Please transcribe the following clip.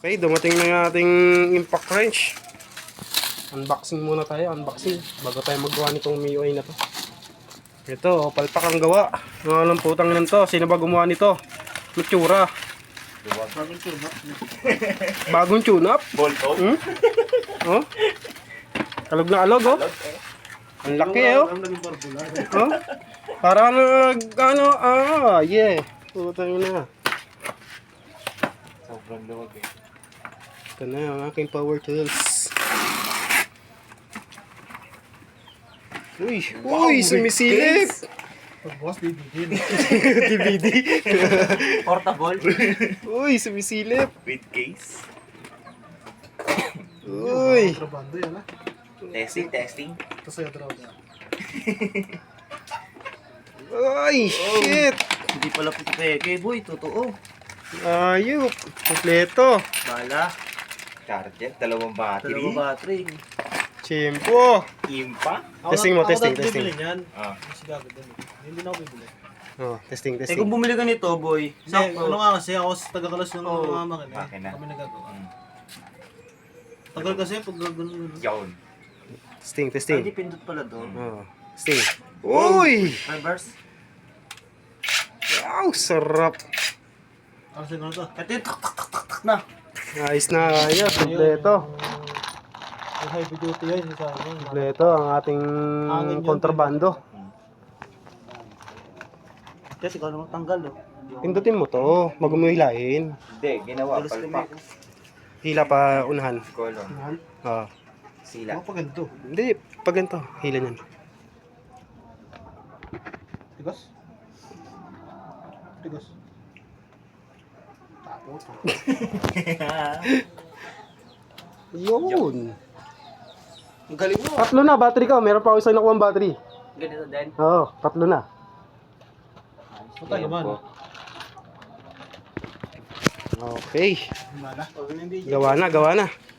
Okay, dumating na yung ating impact wrench. Unboxing muna tayo, unboxing. Bago tayo magawa nitong MIUI na to. Ito, palpak ang gawa. Ang putang nito. Sino ba gumawa nito? Mitsura. Bagong tune up. Bagong tune-up? Bolto. Hmm? Oh? Kalog na alog, oh. Ang laki, oh. Ang naging popular. Oh? Para ano, yeah. Putang na. Sobrang luwag eh. Ito na ang aking power tools. Uy, uy, sumisilip. Pag-boss, DVD. DVD. Portable. Uy, sumisilip. With case. Uy. Trabando yan ah. Testing. Ito sa'yo droga. Ay, shit. Hindi pala peke, boy. Totoo. Ayup. Kompleto. Bala. Charger. Dalawang battery. Chimpo. Impa. Testing mo, testing. Bibili niyan. Ah. Kasi gagawin din. Hindi na ako bibili. Oh, testing. Eh kung bumili ka nito, boy. Hindi, ano nga kasi ako sa taga-kalas ng mga makina. Makina. Kami nagagawa. Mm. Tagal kasi pag gano'n. Yawn. Testing. Hindi pindot pala doon. Oh, testing. Uy. Reverse. Wow, sarap. Ano sa'yo to? Ito yung tak na. Ayos na, ayos. Kompleto. Yung heavy duty yan. Yung sa akin. Kompleto ang ating kontrabando. Kasi ikaw naman tanggal, oh. Pindutin mo to. Magumuhilain. Hindi, ginawa. Palpak. Hila pa unahan. Kolong. Yan. Oh. Sila. Ako pa ganito. Hindi, pag ganito. Hila niyan. Tigas? Tigas. Tapos. Yun. Ang galing mo. Tatlo na, battery ka. Meron pa ako isang nakuha battery. Ganito din. Oo, tatlo na. Patay man. Okay. Mala. Gawa na.